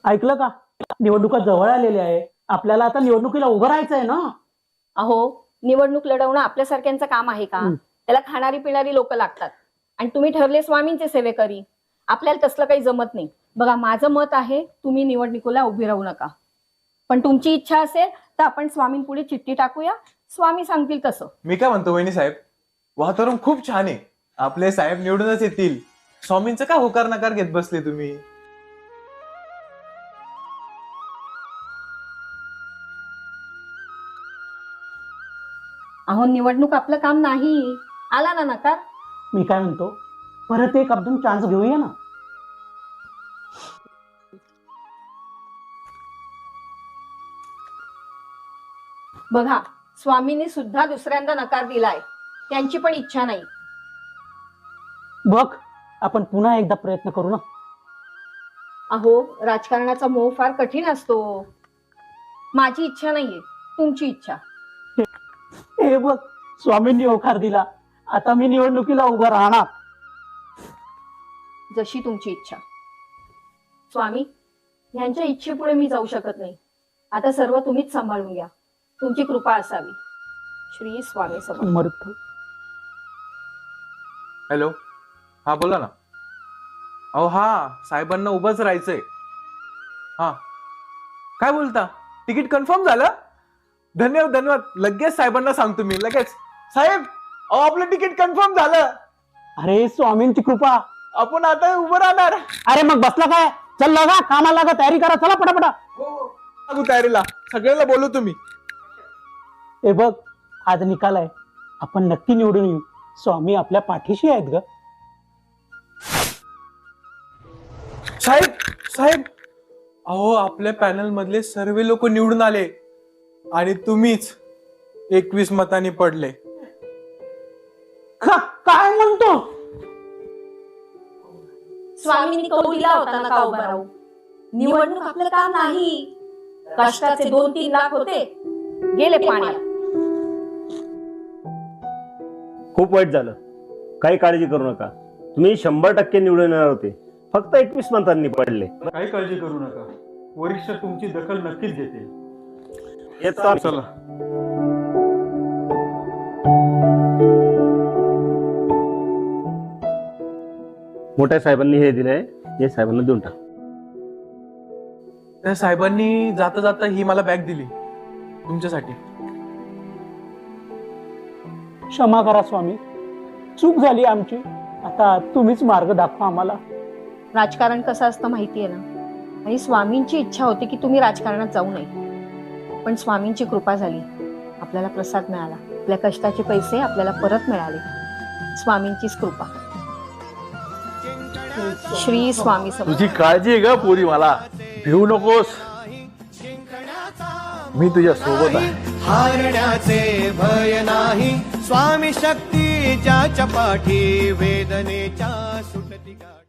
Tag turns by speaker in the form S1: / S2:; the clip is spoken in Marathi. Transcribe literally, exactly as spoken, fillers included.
S1: ऐकलं का? निवडणुका जवळ आलेल्या आहे. आपल्याला आता निवडणुकीला उभं राहायचंय ना.
S2: अहो, निवडणूक लढवणं आपल्यासारख्यांचं काम आहे का?
S1: हं.
S2: त्याला खाणारी पिणारी लोक लागतात. आणि तुम्ही ठरले स्वामींचे सेवेकरी. आपल्याला तसलं काही जमत नाही. बघा, माझं मत आहे तुम्ही निवडणुकीला उभी राहू नका. पण तुमची इच्छा असेल तर आपण स्वामींपुढे चिठ्ठी टाकूया. स्वामी सांगतील तसं.
S3: मी काय म्हणतो वहिनी साहेब, वातावरण खूप छान आहे. आपले साहेब निवडूनच येतील. स्वामींचं का होकार नकार घेत बसले तुम्ही?
S2: अहो, निवडणूक आपलं काम नाही. आला ना नकार.
S1: मी काय म्हणतो, परत एक आपण चान्स घेऊया ना.
S2: बघा, स्वामींनी सुद्धा दुसऱ्यांदा नकार दिलाय. त्यांची पण इच्छा नाही.
S1: बघ, आपण पुन्हा एकदा प्रयत्न करू ना.
S2: अहो, राजकारणाचा मोह फार कठीण असतो. माझी इच्छा नाहीये, तुमची इच्छा.
S1: हे बघ, स्वामींनी होकार दिला. आता मी निवडणुकीला उभं राहणार.
S2: जशी तुमची इच्छा. स्वामी, यांच्या इच्छेपुढे मी जाऊ शकत नाही. आता सर्व तुम्हीच सांभाळून घ्या. तुमची कृपा असावी. श्री स्वामी समर्थ.
S1: समर्थ.
S3: हॅलो, हा बोला ना. अहो हा, साहेबांना उभंच राहायचंय. हा, काय बोलता? तिकीट कन्फर्म झालं? धन्यवाद धन्यवाद. लगेच साहेबांना सांगतो मी. लगेच साहेब, अहो आपलं तिकीट कन्फर्म झालं.
S1: अरे, स्वामींची कृपा.
S3: आपण आता उभं राहणार.
S1: अरे मग बसला काय? चल लागा, कामाला लागा, तयारी करा. चला पटापटा.
S3: हो, तयारीला सगळ्याला बोलू तुम्ही.
S1: हे बघ, आज निकाल आहे. आपण नक्की निवडून येऊ. स्वामी आपल्या पाठीशी आहेत ग.
S3: साहेब साहेब, अहो आपल्या पॅनल मधले सर्व लोक निवडून आले आणि तुम्हीच एकवीस मतांनी पडले.
S1: का- काय म्हणतो?
S2: स्वामींनी कौल दिला होता ना का उभा राहू. निवडणूक आपलं काम नाही. कष्टाचे दोन तीन लाख होते, गेले पाण्यात.
S4: खूप वाईट झालं. काही काळजी करू नका. तुम्ही शंभर टक्के निवडून येणार होते. फक्त एकवीस मतांनी पडले.
S5: काही काळजी करू नका. वरिष्ठ तुमची दखल नक्कीच घेतील.
S4: येतो.
S3: चला.
S4: मोठ्या साहेबांनी हे दिलंय, हे साहेबांना देऊन टाक.
S3: त्या साहेबांनी जाता जाता ही मला बॅग दिली तुमच्यासाठी.
S1: क्षमा करा स्वामी, चूक झाली आमची. आता तुम्हीच मार्ग दाखवा आम्हाला.
S2: राजकारण कसं असतं माहितीये ना. आणि स्वामींची इच्छा होती की तुम्ही राजकारणात जाऊ नये. पण स्वामींची कृपा झाली. आपल्याला प्रसाद मिळाला. आपल्या कष्टाचे पैसे आपल्याला परत मिळाले. स्वामींचीच कृपा. श्री स्वामी समर्थ.
S5: तुझी काळजी आहे ग पोरी, मला भिवू नकोस. मी तुझ्या सोबत आहे.
S6: हारण्याचे भय नाही. स्वामी शक्ती ज्याच्या पाठी वेदनेच्या सुटती.